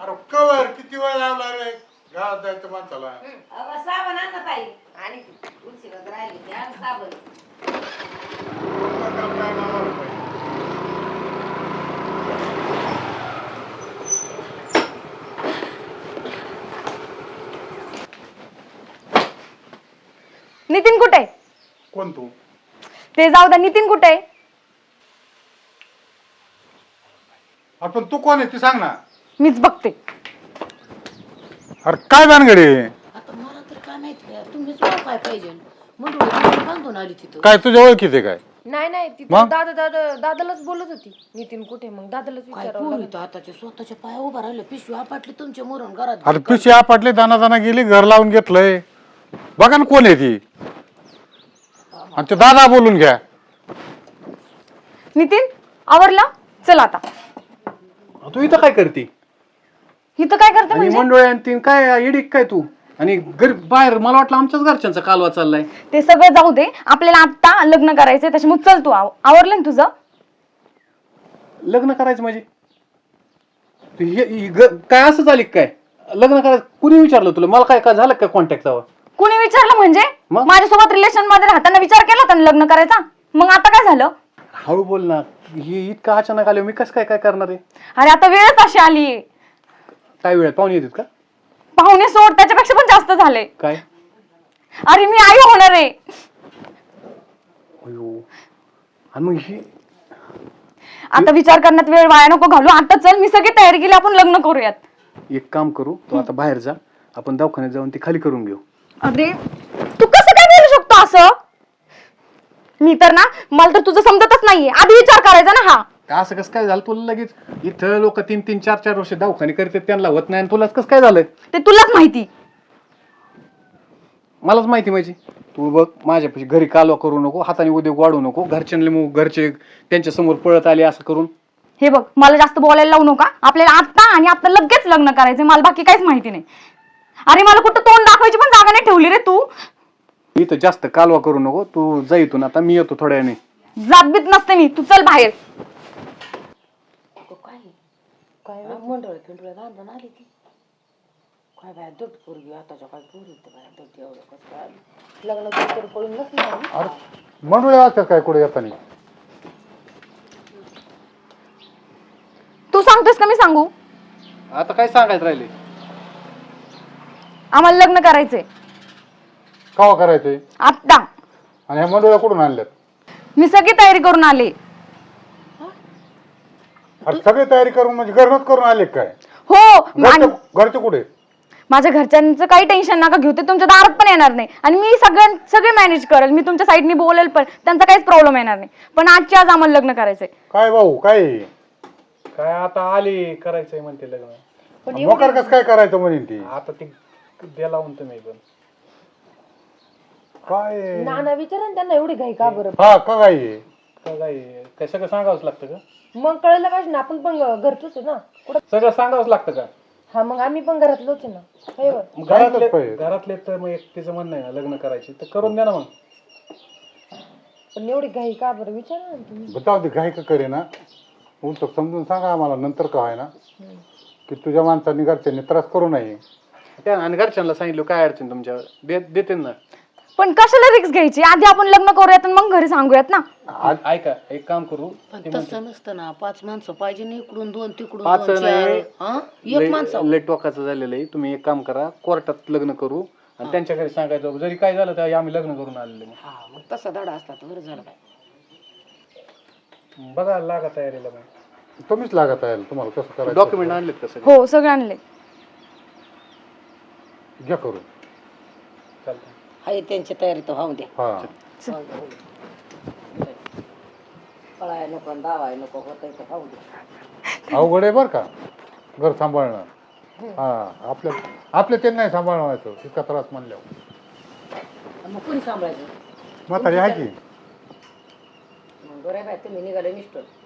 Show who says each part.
Speaker 1: अरे कवर किती वेळ लावला रे गावात जायचं माणसाला.
Speaker 2: साबण आण ना ताई आणि उशिराच राहिली ते आण साबण.
Speaker 1: काम काय मामाला पाहिजे.
Speaker 3: नितीन कुठे आहे?
Speaker 1: कोण तू?
Speaker 3: ते जाऊ द्या, नितीन कुठे आहे?
Speaker 1: आपण तू कोण आहे ती सांग ना.
Speaker 3: मीच बघते.
Speaker 1: अरे काय भानगडी?
Speaker 2: आता मला तर काय माहिती तुम्हीच काय पाहिजे म्हणून बांधून आली तिथं.
Speaker 1: काय तुझ्या ओळखीचे काय?
Speaker 3: नाही ती
Speaker 1: मग?
Speaker 3: दादालाच बोलत होती. नितीन कुठे? मग दादालाच विचारावं लागलं.
Speaker 2: आताच्या स्वतःच्या पाया उभा राहिले पिशवी आपटली तुमच्या मोरून घरात.
Speaker 1: अरे पिशी आपटले दाना गेली घर लावून घेतलंय. बघा ना कोण आहे ती. आणि ते दादा बोलून घ्या.
Speaker 3: नितीन आवरला? चल आता.
Speaker 4: तू इथं काय करते?
Speaker 3: इथं काय करते
Speaker 4: आणि
Speaker 3: म्हणजे?
Speaker 4: मंडोळ्या आणि तीन काय इडिक काय तू? आणि बाहेर मला वाटलं आमच्याच घरच्यांचा कालवा चाललाय.
Speaker 3: ते सगळं जाऊ दे, आपल्याला आता लग्न करायचंय त्याच्यामुळे चल तू. आवरलं ना तुझं?
Speaker 4: लग्न करायचं म्हणजे काय असं झाली काय? लग्न करायचं कुणी विचारलं तुला? मला काय झालं काय कॉन्टॅक्ट जावं?
Speaker 3: कुणी विचारलं म्हणजे?
Speaker 4: मग?
Speaker 3: माझ्यासोबत रिलेशन मध्ये राहताना विचार केला होता ना लग्न करायचा? मग आता काय झालं?
Speaker 4: हळू बोल ना. हे इतकं अचानक आले, मी कसं काय करणार आहे?
Speaker 3: अरे आता वेळच अशी आली.
Speaker 4: काय वेळ पाहुणे येतात का?
Speaker 3: पाहुणे सोड, त्याच्यापेक्षा पण जास्त झाले.
Speaker 4: काय?
Speaker 3: अरे मी आई होणार आहे.
Speaker 4: अयो. आणि मग ही
Speaker 3: आता विचार करण्यात वेळ वाया नको घालू. आता चल, मी सगळी तयारी केली, आपण लग्न करूयात.
Speaker 4: एक काम करू, तू आता बाहेर जा, आपण दवाखान्यात जाऊन ती खाली करून घेऊ.
Speaker 3: अरे तू कसं काय बोलू शकतो असं? मी तर ना, मला तर तुझं समजतच नाहीये. आधी विचार करायचा ना. हा
Speaker 4: असं कसं काय झालं तुला? लगेच इथं लोक 3-3, 4-4 वर्ष दवाखाने करतात, त्यांना होत नाही, आणि तुलाच कसं काय झालं?
Speaker 3: ते तुलाच माहिती.
Speaker 4: मलाच माहिती माझी. तू बघ, माझ्यापाशी घरी कालवा करू नको, हाताने उद्योग वाढू नको. घरचे त्यांच्या समोर पळत आले असं करून.
Speaker 3: हे बघ, मला जास्त बोलायला लावू नका. आपल्याला आता लगेच लग्न करायचंय. मला बाकी काहीच माहिती नाही. अरे मला कुठं तोंड दाखवायची पण जागा नाही ठेवली रे तू.
Speaker 4: इथं जास्त कालवा करू नको. तू जा इथून आता, मी येतो थोड्या वेळाने.
Speaker 3: जात बीत नसते मी. तू चल बाहेर.
Speaker 2: काय मंडळ खिंडळ बांधून आली ती. काय बाय दट पोरगी आताच्या काय पोरी बाय दट एवढं कसं काय आली. लग्न तर पळून नसली.
Speaker 1: अरे मंडळी असतात काय कुठे येताना?
Speaker 3: तू सांगतोस का मी सांगू?
Speaker 4: आता काय सांगायचं राहिले?
Speaker 3: आम्हाला लग्न करायचंय
Speaker 1: कवा करायचंय?
Speaker 3: आता.
Speaker 1: आणि ह्या मंडळी कुठून आणल्यात?
Speaker 3: मी सगळी तयारी करून आले.
Speaker 1: अरे सगळी तयारी करून म्हणजे घरनच करून आले काय?
Speaker 3: हो.
Speaker 1: घरचे कुठे?
Speaker 3: माझ्या घरच्यांचं काही टेन्शन नका घेऊ. ते तुमच्या दारात पण येणार नाही. आणि मी सगळे मॅनेज करेल. मी तुमच्या साईडनी बोलेल पण. त्यांचा काहीच प्रॉब्लेम येणार नाही. पण आजच्या आज आम्हाला लग्न करायचंय.
Speaker 1: काय भाऊ काय?
Speaker 4: काय आता आली करायचंय म्हणते लग्न.
Speaker 1: मोकार कसं काय करायचं म्हणेन ती?
Speaker 4: आता ती द्याला म्हणतो मी पण.
Speaker 1: काय
Speaker 3: नाना विचारा त्यांना एवढी घाई का बरं?
Speaker 1: हा का काय?
Speaker 4: काय सगळं सांगावंच लागतं का?
Speaker 3: मग कळलं पाहिजे ना, आपण पण घरचोच आहे ना.
Speaker 4: सगळं सांगावंच लागतं का?
Speaker 3: हा मग आम्ही पण घरातलोच आहे ना.
Speaker 4: घरातले तर मग तिचं म्हणणं आहे ना लग्न करायची तर करून द्या ना मग.
Speaker 3: पण एवढी घाई का बरं विचारा ना तुम्ही.
Speaker 1: बताव ती घाई का करे ना. उलट समजून सांगा आम्हाला नंतर का आहे ना की तुझ्या माणसांनी घरच्यांनी त्रास करू नये.
Speaker 4: त्या आणि घरच्यांना सांगितलं काय अडचण तुमच्यावर देते ना.
Speaker 3: पण कशाला रिक्स घ्यायची? आधी आपण लग्न करूयात आणि मग घरी सांगूयात ना.
Speaker 4: ऐका, एक काम करू.
Speaker 2: तसं नसतं ना. 5 माणसं पाहिजे ना, इकडून 2 तिकडून
Speaker 4: 5
Speaker 2: 2, 4.
Speaker 4: नाही,
Speaker 2: एक माणसं
Speaker 4: लेट टोकाचं झालेलं आहे. तुम्ही एक काम करा, कोर्टात लग्न करू आणि त्यांच्या घरी सांगायचं जरी काय झालं तर आम्ही लग्न करून आलेले.
Speaker 2: हा मग तसा धडा असता तर बरं झालं काय.
Speaker 4: बघा लागा तयारीला मग.
Speaker 1: तुम्हीच लागत आहे तुम्हाला कसं करायचं.
Speaker 4: डॉक्युमेंट आणलेत कसं?
Speaker 3: हो सगळे आणले.
Speaker 1: घ्या करून.
Speaker 4: चालतं.
Speaker 2: आहे त्यांची तयारी तर होऊ द्या.
Speaker 1: हा
Speaker 2: पळाय नको धावाय नको होतंय तर होऊ द्या.
Speaker 1: अवघड आहे बरं का घर सांभाळणं. हा आपल्या ते नाही सांभाळवायचं इतका त्रास म्हणल्यावर.
Speaker 2: मग कोणी सांभाळायचं?
Speaker 1: म्हातारी आहे की.
Speaker 2: मग बरं आहे बाय तुम्ही निघाले निष्ठून.